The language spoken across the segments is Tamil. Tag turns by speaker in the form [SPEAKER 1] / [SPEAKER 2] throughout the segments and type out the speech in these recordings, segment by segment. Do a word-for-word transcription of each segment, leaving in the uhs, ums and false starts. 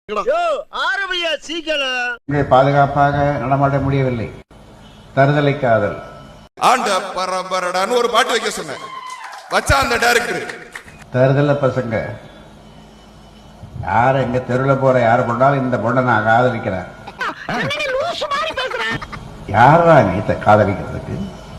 [SPEAKER 1] பாதுகாப்பாக நடமாட முடியவில்லை. தருதலை காதல்
[SPEAKER 2] ஆண்ட பரம்பரடான்னு ஒரு பாட்டு வைக்க சொன்னேன். வச்சா அந்த டைரக்டர்
[SPEAKER 1] தருதல பசங்க யார எங்க தெருவில் போற யார கொண்டாலும் இந்த பொண்ணை நான் காதலிக்கிறேன். யாரா நீ காதலிக்கிறதுக்கு?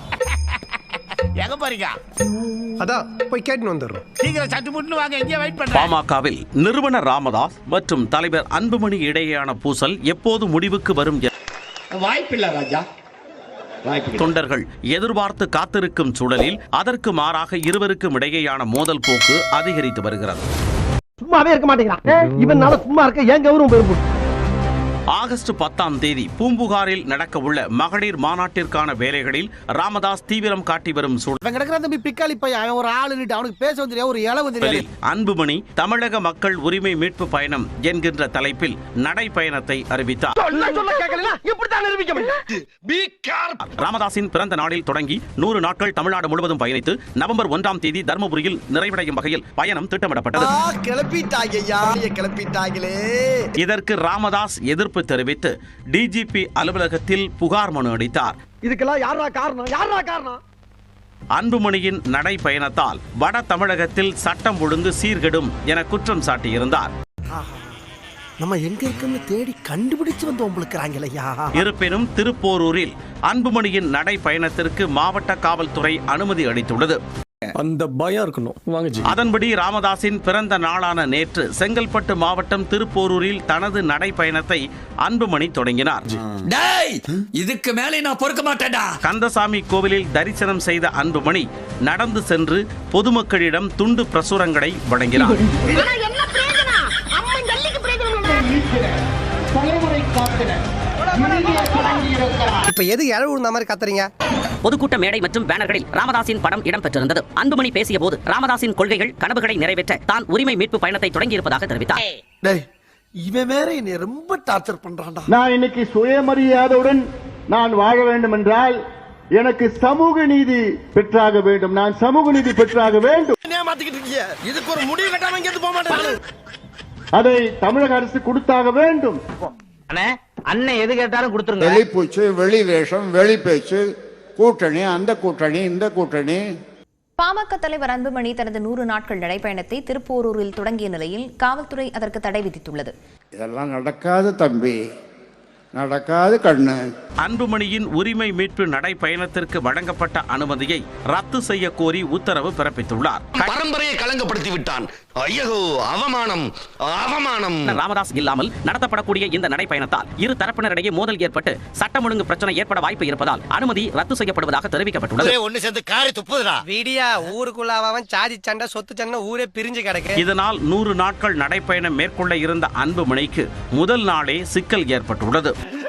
[SPEAKER 3] பாமகவில் நிறுவனர் ராமதாஸ் மற்றும் தலைவர் அன்புமணி இடையேயான பூசல் எப்போது முடிவுக்கு வரும்?
[SPEAKER 4] வாய்ப்பில்லை ராஜா.
[SPEAKER 3] தொண்டர்கள் எதிர்பார்த்து காத்திருக்கும் சூழலில் அதற்கு மாறாக இருவருக்கும் இடையேயான மோதல் போக்கு அதிகரித்து வருகிறது.
[SPEAKER 5] சும்மாவே இருக்க மாட்டேங்கிறான் இவனால. சும்மா இருக்க ஏன் கௌரவம் பெரும்.
[SPEAKER 3] ஆகஸ்ட் பத்தாம் தேதி பூம்புகாரில் நடக்க உள்ள மகளிர் மாநாட்டிற்கான வேலைகளில் ராமதாஸ் தீவிரம் காட்டி வரும் சூழலில் அன்புமணி தமிழக மக்கள் உரிமை மீட்பு பயணம் என்கின்ற தலைப்பில் நடைபயணத்தை அறிவித்தார். ராமதாஸின் பிறந்த நாளில் தொடங்கி நூறு நாட்கள் தமிழ்நாடு முழுவதும் பயணித்து நவம்பர் ஒன்றாம் தேதி தர்மபுரியில் நிறைவடையும் வகையில் பயணம் திட்டமிடப்பட்டது. இதற்கு ராமதாஸ் எதிர்ப்பு தெரிவித்து டிஜிபி அலுவலகத்தில் புகார் மனு அளித்தார்.
[SPEAKER 5] இதுக்கெல்லாம் யாரா காரணம்? யாரா காரணம்?
[SPEAKER 3] அன்புமணியின் நடைபயணத்தால் வட தமிழகத்தில் சட்டம் ஒழுங்கு சீர்கெடும் என குற்றம் சாட்டியிருந்தார்.
[SPEAKER 5] நம்ம எங்க இருக்குன்னு தேடி கண்டுபிடிச்சு வந்து உங்களுக்குறாங்களையா.
[SPEAKER 3] இருப்பினும் திருப்போரூரில் அன்புமணியின் நடைபயணத்திற்கு மாவட்ட காவல்துறை அனுமதி அளித்துள்ளது.
[SPEAKER 6] அந்த பயம் இருக்கணும்.
[SPEAKER 3] அதன்படி ராமதாஸின் பிறந்த நாளான நேற்று செங்கல்பட்டு மாவட்டம் திருப்போரூரில் தனது நடைபயணத்தை அன்புமணி தொடங்கினார்.
[SPEAKER 4] இதுக்கு மேலே நான் பொறுக்க மாட்டேன்டா.
[SPEAKER 3] கந்தசாமி கோவிலில் தரிசனம் செய்த அன்புமணி நடந்து சென்று பொதுமக்களிடம் துண்டு பிரசுரங்களை வழங்கினார்.
[SPEAKER 5] இப்ப எது இழவு விழுந்த மாதிரி கத்துறீங்க?
[SPEAKER 7] பொதுக்கூட்ட மேடை மற்றும் பேனர்களில் ராமதாஸின் படம் இடம்பெற்றிருந்தது. அன்புமணி பேசிய போது ராமதாஸின் கொள்கைகள் கனவுகளை நிறைவேற்ற தான் உரிமை மீட்பு பயணத்தை தொடங்கி இருப்பதாக தெரிவித்தார்.
[SPEAKER 5] இவன் வேற என்னை ரொம்ப டார்ச்சர் பண்றான்டா.
[SPEAKER 8] நான் இன்னைக்கு சுயமரியாதையுடன் நான் வாழ வேண்டும் என்றால் எனக்கு சமூக நீதி பெற்றாக வேண்டும். நான் சமூக நீதி பெற்றாக வேண்டும்.
[SPEAKER 5] இதுக்கு ஒரு முடிவு கட்டாம இங்க போக மாட்டேன்.
[SPEAKER 8] அதை தமிழக அரசு கொடுத்தாக வேண்டும்.
[SPEAKER 5] அண்ணன் எது கேட்டாலும் கொடுத்துருங்க.
[SPEAKER 9] வெளி பூச்சு, வெளி வேஷம், வெளி பேச்சு, கூட்டணி, அந்த கூட்டணி, இந்த கூட்டணி.
[SPEAKER 10] பாமக தலைவர் அன்புமணி தனது நூறு நாட்கள் நடைபயணத்தை திருப்போரூரில் தொடங்கிய நிலையில் காவல்துறை அதற்கு தடை விதித்துள்ளது.
[SPEAKER 9] இதெல்லாம் நடக்காது தம்பி, நடக்காது கண்ணு.
[SPEAKER 3] அன்புமணியின் உரிமை மீட்பு நடைபயணத்திற்கு வழங்கப்பட்ட அனுமதியை ரத்து செய்ய கோரி உத்தரவு பிறப்பித்துள்ளார்.
[SPEAKER 4] பரம்பரையை கலங்கப்படுத்தி விட்டான். ஐயோ, அவமானம், அவமானம்.
[SPEAKER 7] ராமதாஸ் இல்லாமல் நடத்தப்படக்கூடிய இந்த நடைபயணத்தால் இரு தரப்பினரிடையே மோதல் ஏற்பட்டு சட்டம் ஒழுங்கு பிரச்சனை ஏற்பட வாய்ப்பு இருப்பதால் அனுமதி ரத்து செய்யப்படுவதாக தெரிவிக்கப்பட்டுள்ளது.
[SPEAKER 4] ஒன்னு சேர்ந்து காரி துப்புதுடா.
[SPEAKER 5] வீடியா ஊருக்குள்ளாவன் சாதி சண்டை சொத்து சண்டை ஊரே பிரிஞ்சு கிடக்கு.
[SPEAKER 3] இதனால் நூறு நாட்கள் நடைபயணம் மேற்கொள்ள இருந்த அன்புமணிக்கு முதல் நாளே சிக்கல் ஏற்பட்டுள்ளது.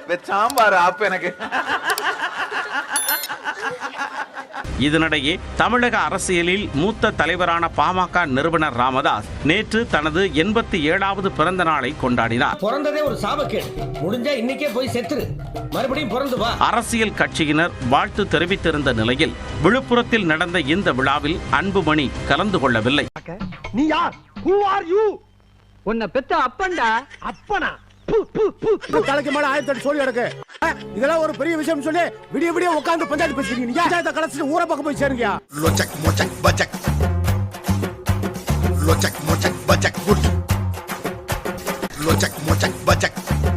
[SPEAKER 3] இதனிடையே தமிழக அரசியலில் மூத்த தலைவரான பாமக நிறுவனர் ராமதாஸ் நேற்று தனது எண்பத்தி ஏழாவது பிறந்த நாளை கொண்டாடினார்.
[SPEAKER 5] பிறந்ததே ஒரு சாபக்கேடு. முடிஞ்சா இன்னைக்கே போய் செத்துரு, மறுபடியும் பிறந்து வா.
[SPEAKER 3] அரசியல் கட்சியினர் வாழ்த்து தெரிவித்திருந்த நிலையில் விழுப்புரத்தில் நடந்த இந்த விழாவில் அன்புமணி கலந்து கொள்ளவில்லை.
[SPEAKER 5] நீ யார்? Who are you? உன்னை பெத்த அப்பன்டா. அப்பனா? தலைக்கு மேல ஆயிரத்தி எட்டு சொல்லி எடுக்க. இதெல்லாம் ஒரு பெரிய விஷயம் சொல்லி விடிய விடிய உட்கார்ந்து பஞ்சாயத்து பேசுறீங்க. நீங்க பஞ்சாயத்தை கலச்சிட்டு ஊரை பக்கம் போய் சேருங்க.
[SPEAKER 2] லோச்சக் மோச்சக் பஜக் லோச்சக் மோச்சக் பஜக் குட் லோச்சக் மோச்சக் பஜக்